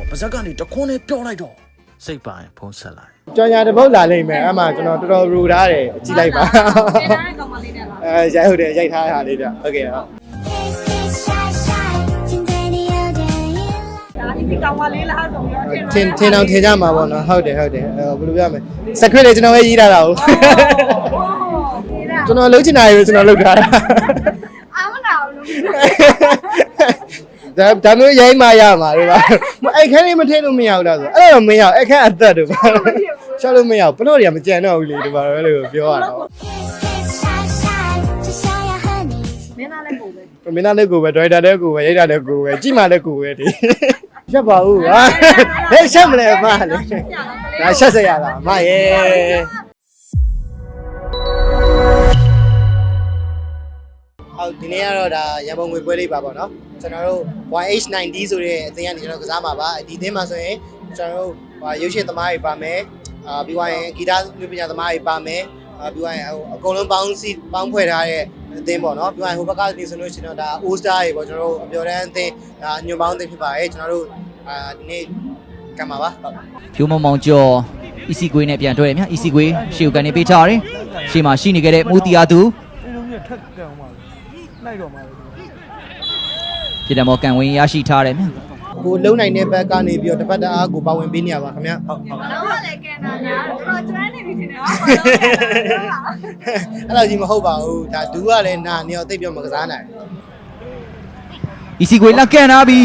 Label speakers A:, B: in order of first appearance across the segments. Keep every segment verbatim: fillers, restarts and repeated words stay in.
A: ပါဇက်ကနေတခွန်းနဲ့ပြောလိုက်တော့စိတ်ပိုင်းဖုံးဆက်လာ
B: ကြောင်ညာတပုတ်လာလိမ့်မယ်အမှကျွန်တော်တော်တော်ရူထားတယ်ကြည့်လိုက်ပါအဲရိုက်ဟုတ်တယ်ရိုက်ထားတာလေးဗျဟုတ်ကဲ့ဟုတ်
C: ဒီကောင်မလေးလားဆိုပြီးတော့
B: ထင်ထင်အောင်ထင်ကြမှာပေါ့နော်ဟုတ်တယ်ဟုတ်တယ်အဲဘယ်လိုပြောမလဲ secret လေးကျွန်တော်ပဲရေးထားတာဟုတ်ကျွန်တော်လုံးချင်တာရေကျွန်တော်လုပ်ထားတာ
C: အာမနာဘူး
B: ဒါဒါမျိုးရိုင်းမှရမှာလေပါအဲ့ခန်းလေးမထည့်လို့မရဘူးလားဆိုအဲ့တော့မရအောင်အဲ့ခန်းအသက်တို့ပါရှောက်လို့မရဘူးဘလို့တွေကမကြံတော့ဘူးလေဒီပါတော့လို့ပြောရတာ
C: မင်းသားလည်းကိုပဲ
B: မင်းသားလည်းကိုပဲဒရိုက်တာလည်းကိုပဲရိုက်တာလည်းကိုပဲကြည့်မှလည်းကိုပဲဒီရှက်ပါဦးဟာဟဲ့ရှက်မလဲမလေဒါရှက်စရာလားမရဲ့ဟုတ်ဒီနေ့ကတော့ဒါရန်ပုံငွေပွဲလေးပါပေါ့နော်ကျွန်တော်တို့ Y H ninety ဆိုတဲ့အသင်းကနေကျွန်တော်ကစားမှာပါဒီအသင်းမှာဆိုရင်ကျွန်တော်တို့ရုပ်ရှင်သမားတွေပါမယ်အာပြီးသွားရင်ဂီတမျိုးပညာသမားတွေပါမယ်အာပြီးသွားရင်အကုန်လုံးပေါင်းစီပေါင်းဖွဲ့ထားတဲ့အသင်းပေါ့နော်ပြီးသွားရင်ဟိုဘက်ကနေဆိုလို့ရှိရင်တော့ဒါ All Star တွေပေါ့ကျွန်တော်တို့အပြော်တန်းအသင်းဒါညွန်ပေါင်းအသင်းဖြစ်ပါတယ်ကျွန်တော်တို့အာဒီနေ့ကံပါပါ
D: ဖြိုးမောင်မောင်ကျော် E C ကွေးနဲ့ပြန်တွဲရမြ E C ကွေးရှေ့ကိုကနေပေးချရတယ်ရှေ့မှာရှိနေခဲ့တဲ့မူတီယာသူ
B: လိုက်တော့မှာ
D: ပြည်တော်မော်ကန်ဝင်းရရှိထားတယ်မြ
B: ကိုလုံနိုင်တဲ့ဘက်ကနေပြီးတော့တပတ်တအားကိုပါဝင်ပေးနေရပါခင်ဗျဟုတ်
C: ဟုတ်တော့လည်းကန်တာညာတော့ကျွမ်းနေပြီထင်တယ်ဟုတ်
B: အဲ့လိုကြီးမဟုတ်ပါဘူးဒါဒူးကလည်းနာနေတော့တိတ်ပြောမကစားနိုင်
D: E C ကွေးလက်ကန်လာပြီ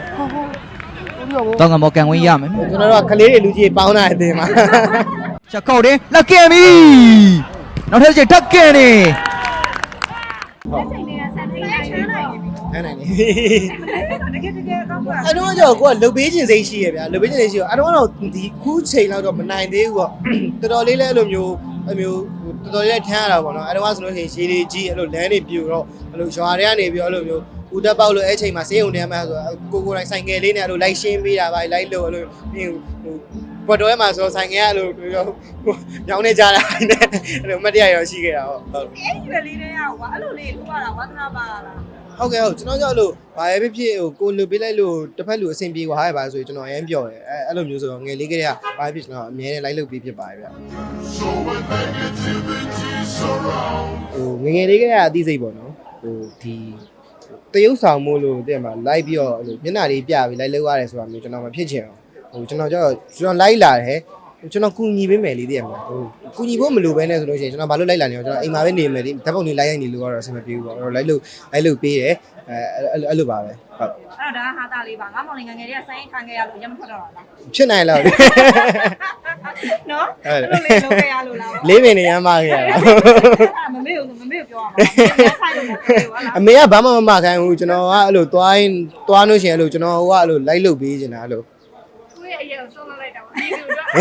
D: တော့ကမော်ကန်ဝင်းရမယ်
B: ကျွန်တော်တို့ကကလေးတွေလူကြီးပေါင်းတာအတင်းမှာ
D: ချက်ကောက်တယ်လက်ကန်ပြီနောက်ထပ်ချက်တက်ကန်နေ
C: လက်ချိန်တွေကဆန်ထိန်ချမ်းနိုင်ပြီ
B: အဲ့နိုင်နေ
C: တကယ်တကယ်ကောင်းပါ
B: အဲ့တော့ကြောကိုကလုတ်ပေးခြင်းစိတ်ရှိရဗျာလုတ်ပေးခြင်းစိတ်ရှိရအဲ့တော့တော့ဒီခုချိန်လောက်တော့မနိုင်သေးဘူးပေါ့တော်တော်လေးလည်းအဲ့လိုမျိုးအဲ့မျိုးတော်တော်လေးလည်းထမ်းရတာပေါ့နော်အဲ့တော့ဆိုလို့ရှိရင်ရှည်လေးကြီးအဲ့လိုလမ်းတွေပြူတော့အဲ့လိုရွာတွေကနေပြီးအဲ့လိုမျိုးဦးတက်ပေါက်လို့အဲ့ချိန်မှာစေးုံတန်းမှာဆိုကိုကိုတိုင်းဆိုင်ကယ်လေးနဲ့အဲ့လိုလိုက်ရှင်းပေးတာပါလိုက်လို့အဲ့လိုပြီးဟိုဘတ်တော်ထဲမှာဆိုဆိုင်ကယ်အဲ့လိုညောင်းနေကြတာနဲ့အဲ့လိုမတ်တရားရောရှိခဲ့တာဟုတ်ဟုတ်
C: အဲ့ဒီလေးတွေကကွာအဲ့လိုလေးလို့ရတာဝါသနာပါလား
B: ဟုတ်ကဲ့ဟုတ်ကျွန်တော်ကြောက်လို့ဘာပဲဖြစ်ဖြစ်ဟိုကိုလူပေးလိုက်လို့တစ်ဖက်လူအဆင်ပြေသွားရပါဆိုရင်ကျွန်တော်အရင်ပြောတယ်အဲအဲ့လိုမျိုးဆိုတော့ငယ်လေးကလေးကဘာဖြစ်ကျွန်တော်အမြဲတမ်းလိုက်လုပ်ပြီးဖြစ်ပါတယ်ဗျဟိုငယ်ငယ်လေးကလေးကအသိစိတ်ပေါ့နော်ဟိုဒီတရုပ်ဆောင်မို့လို့တဲ့မှာလိုက်ပြီးတော့အဲ့လိုမျက်နှာလေးပြပြီးလိုက်လုပ်ရတယ်ဆိုတာမျိုးကျွန်တော်မဖြစ်ချင်အောင်ဟိုကျွန်တော်ကြောက်ကျွန်တော်လိုက်လာတယ်ကျွန်တော်ကူညီပေးမယ်လေးတည်းမှာဟိုကူညီဖို့မလိုဘဲနဲ့ဆိုလို့ရှိရင်ကျွန်တော်ဘာလို့လိုက်လာနေအောင်ကျွန်တော်အိမ်မှာပဲနေမယ်ဒီဓာတ်ပုံလေးလိုက်ရိုက်နေလို့ကတော့အဆင်မပြေဘူးပေါ့အဲ့တော့လိုက်လို့လိုက်လို့ပေးတယ်အဲအဲ့လိုပါပဲဟုတ်
C: အဲ့တော့ဒါဟာတာလေးပါငါမောင်လေးငငယ်လေးကဆိုင်းခံခဲ့ရလို့ရမထွက်တော့လား
B: ဖြစ်နိုင်လား
C: နော်အဲ့လိုလေးလုပ်ခဲ့ရလို့လား
B: လေးပင်နေရမ်းမခဲ့ရတာ
C: မမေကိုမမေကိုပြောရမှာဆိုင်လို့မပြောဘူးလား
B: အမေကဘာမှမမခိုင်းဘူးကျွန်တော်ကအဲ့လိုသွားရင်သွားလို့ရှိရင်အဲ့လိုကျွန်တော်ကအဲ့လိုလိုက်လုပ်ပေးနေတာအဲ့လို
C: သူ့ရဲ့အရေးကိုဆုံးလိုက်တာပါဒီလိုတော့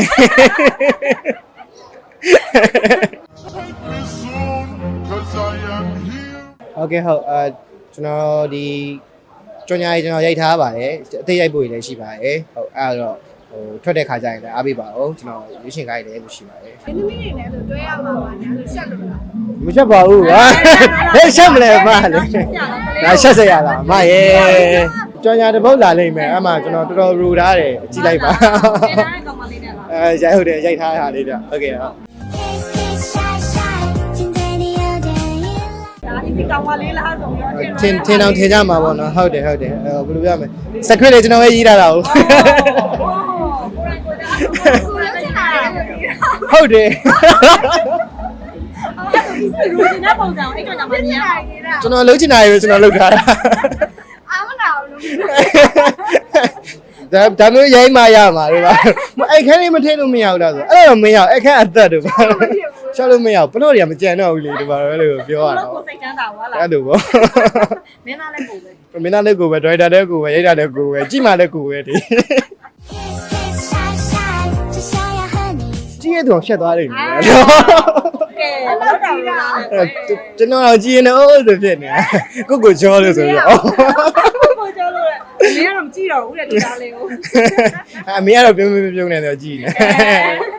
B: โอเคဟုတ်အဲကျွန်တော်ဒီကြော်ညာကြီးကျွန်တော်ရိုက်ထားပါတယ်အသေးရိုက်ဖို့လည်းရှိပါတယ်ဟုတ်အဲ့တော့ဟိုထွက်တဲ့ခါကျရင်လည်းအားပေးပါဦးကျွန်တော်ရွေးရှင်ခိုင်းတယ်လို့ရှိပါတယ်
C: ဒီနည်းနည်းနဲ့ဆိုတွဲရမှာပါညာလို့ရှက်လို့လား
B: မရှက်ပါဘူးဟာဟဲ့ရှက်မလဲမလေဒါရှက်စရာလားမရဲ့ကြော်ညာတပုတ်လာလိမ့်မယ်အမှကျွန်တော်တော်တော်ရူထားတယ်ကြည့်လိုက်ပါအဲရိုက်ဟုတ်တယ်ရိုက်ထားတာလေးဗျဟုတ်ကဲ့ဟုတ်
C: ဒီကောင်မလေးလားဆိုပြီးတော့
B: ထင်ထင်အောင်ထင်ကြမှာပေါ့နော်ဟုတ်တယ်ဟုတ်တယ်အဲဘယ်လိုပြောမလဲ secret လေးကျွန်တော်ပဲရေးထားတာဟုတ်ဟုတ်တယ်
C: လူကြီးနဲ့ပုံစံအဲ့ကောင်ကမမြင်
B: ကျွန်တော်လုံးချင်တာရေကျွန်တော်လုပ်ထားတာ
C: အာမနာဘူး
B: ဒါဒါမျိုးရိုင်းမှရမှာလေပါအဲ့ခန်းလေးမထည့်လို့မရဘူးလားဆိုအဲ့တော့မရအောင်အဲ့ခန်းအသက်တို့ပါရှောက်လို့မရဘူးဘလို့တွေကမကြံတော့ဘူးလေဒီပါတော့လို့ပြောရတာ
C: ကိုစိတ်ချမ်းသာပါလား
B: အဲ့လိုပေါ့
C: မင်းသားလည်းကိုပဲ
B: မင်းသားလည်းကိုပဲဒရိုက်တာလည်းကိုပဲရိုက်တာလည်းကိုပဲကြည့်မှလည်းကိုပဲဒီကြည့်ရတော့ရှက်သွားလိမ့်မယ်
C: ကဲတော့တာလား
B: ကျွန်တော်ကြည့်နေအောင်ဆိုဖြစ်နေတာကိုကိုကြောလို့ဆိုပြီးတော့
C: ကိုကြောလို့လေမင်းကတော့မကြည့်တော့ဘူးတဲ့ဒီသားလေးကို
B: အမေကတော့ပြုံးပြုံးပြုံးနေတော့ကြည့်နေ